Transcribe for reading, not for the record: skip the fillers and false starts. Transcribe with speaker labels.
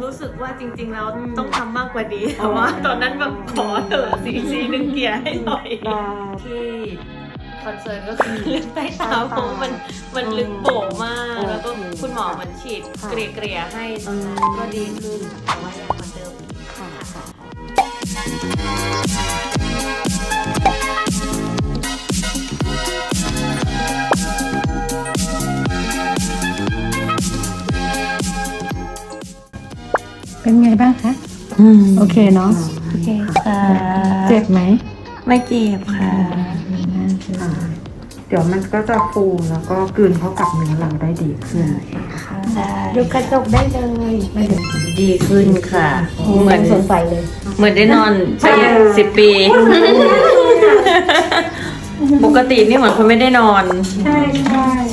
Speaker 1: รู้สึกว่าจริงๆแล้วต้องทำมากกว่านี้แต่ว่าตอนนั้นแบบขอเถอะซีดึงเกียร์ให้หน่อยที่คอนเซิร์นก็คือเลือดใต้ตาเพราะมันลึกโป่งมากแล้วก็คุณหมอมันฉีดเกลี่ยให้ตรงนั้นก็ดีขึ้นแต่ว่ายังเหมือนเดิมค่ะ
Speaker 2: เป็นไงบ้างคะโอเคเนาะ
Speaker 1: โอเคค่ะ
Speaker 2: เจ็บไหม
Speaker 1: ไม่เจ็บค่ะ
Speaker 3: เดี๋ยวมันก็จะฟูแล้วก็กลืนเข้ากับเนื้อเราได้ดีขึ้น
Speaker 2: ดูกระจกได้เลยไม่เดี๋ยว
Speaker 1: ดีขึ้นค่ะ
Speaker 2: เหมือนสดใสเลย
Speaker 1: เหมือนได้นอนไป10 ปี ปกตินี่เหมือนคนไม่ได้นอน
Speaker 2: ใช่ใช่